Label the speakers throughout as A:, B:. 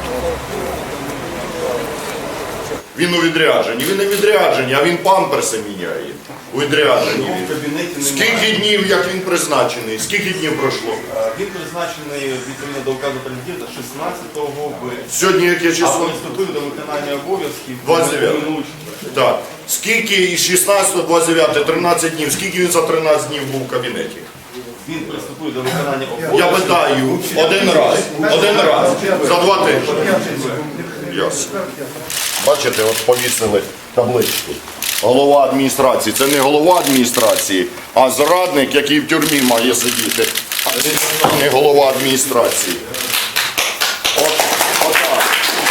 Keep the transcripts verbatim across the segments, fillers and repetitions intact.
A: Він у відрядженні. Він не відрядженні, а він памперси міняє. У відрядженні він. Скільки днів, як він призначений? Скільки днів пройшло?
B: Він призначений відповідно до указу президента шістнадцятого березня.
A: Сьогодні яке
B: А
A: число?
B: приступив до виконання обов'язків
A: двадцять дев'яте.
B: минулого.
A: Так. Скільки із шістнадцятого, двадцять дев'ятого, тринадцять днів, скільки він за тринадцять днів був в кабінеті?
B: Він приступив до виконання обов'язків.
A: Я питаю, один раз, один раз, за два тижні. Ясно. Бачите, от повісили табличку. Голова адміністрації. Це не голова адміністрації, а зрадник, який в тюрмі має сидіти. А не голова адміністрації. От, отак.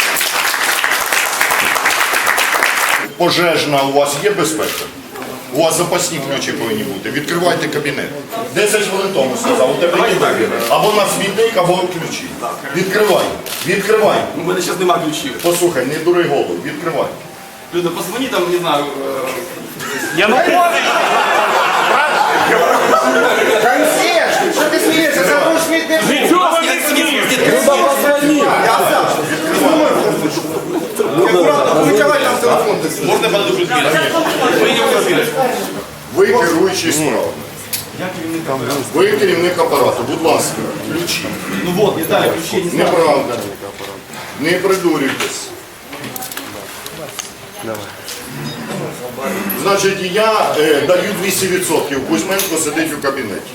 A: Пожежна у вас є безпека? У вас запасні ключі повинні бути. Відкривайте кабінет. Десять хвилин тому сказав, у тебе є вибір. Або на смітник, або ключі. Відкривай. Відкривай.
B: У мене зараз немає ключів.
A: Послухай, не дури голову. Відкривай.
B: Люда, позвони там, не знаю.
C: Янукович!
D: Консьерж, що ти смієшся? Забув смітник.
C: Нічого не смієш!
D: Люба, позвони. Витягай там телефон.
B: Можна я подойду ключ? Ви не виробили.
A: Ви керуючий справами.
B: Я керівник апарату.
A: Ви керівник апарату. Будь ласка, ключі.
B: Ну вот, не дали ключі, не знаю.
A: Неправда. Не придурюйтесь. Значить, я е, даю двісті відсотків. Кузьменко сидить у кабінеті.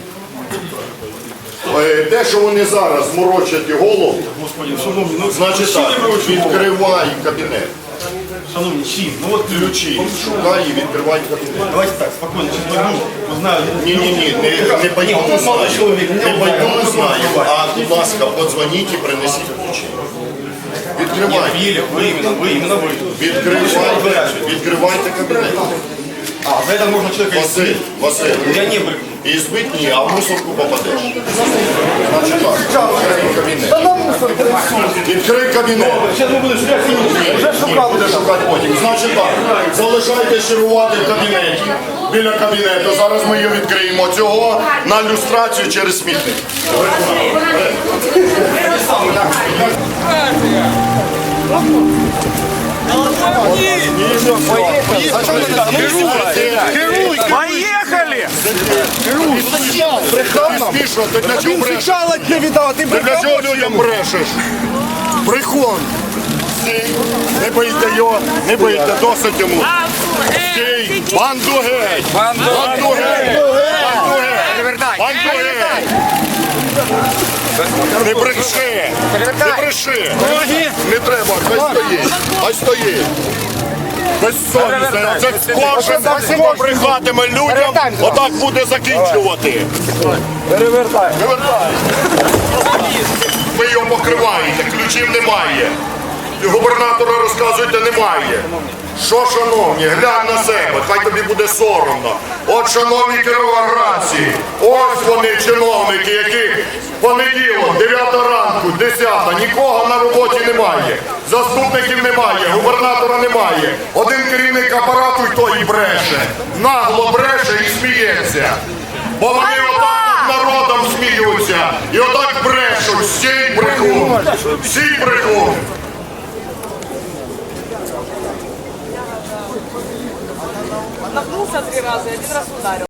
A: Е, те, що вони зараз морочать голову,
B: Господи, шановні, ну
A: значить так, відкривай кабінет.
B: шановні, чим? Ну от
A: Ключі шукай і відкривай кабінет.
B: Давайте так, спокійно, сейчас пойду, узнаю.
A: Ні-ні-ні, не, не пойду узнаю. Не пойду узнаю. А, будь ласка, подзвоніть і принесіть ключі. Відкривайте.
B: Или вы именно, вы, именно вы.
A: Відкривайте, відкривайте кабінет.
B: А, за это можно человека
A: Василь,
B: избить.
A: Василь,
B: Я не брыгну.
A: і збить ні, а в мусорку попадеш. Значить так, відкрий кабінет. Відкрий кабінет.
B: Сейчас мы будем шукать
A: Ні, ні, буде шукати потім. Значить так, залишайтесь чергувати в кабінеті, біля кабінету. Зараз ми її відкриємо. Цього на люстрацію через смітник.
C: Поехали!
A: Смішно, ти для чого брешеш?
D: Сначала тебе видал, а ты
A: Ти для чого людям брешеш? Брехун. Стій, не бийте його, не бийте, досить йому. Стій, банду геть! Банду геть! Банду геть! Банду геть! Не бреши! Не бреши! Не треба, хай стоїть! Хай стоїть! Безсовісне! Це кожен хто брехатиме людям, отак буде закінчувати!
D: Перевертай.
A: Вивертай! Ви його покриваєте, ключів немає. Губернатора розказуєте, немає. Що, шановні, глянь на себе, хай тобі буде соромно. От, шановні кіровоградці, ось вони, чиновники, які в понеділок, дев'ята ранку, десята, нікого на роботі немає. Заступників немає, губернатора немає. Один керівник апарату і той і бреше. Нагло бреше і сміється. Бо вони отак над народом сміються. І отак брешуть. Стій брехун. Стій брехун.
E: Нагнулся три раза и один раз ударил.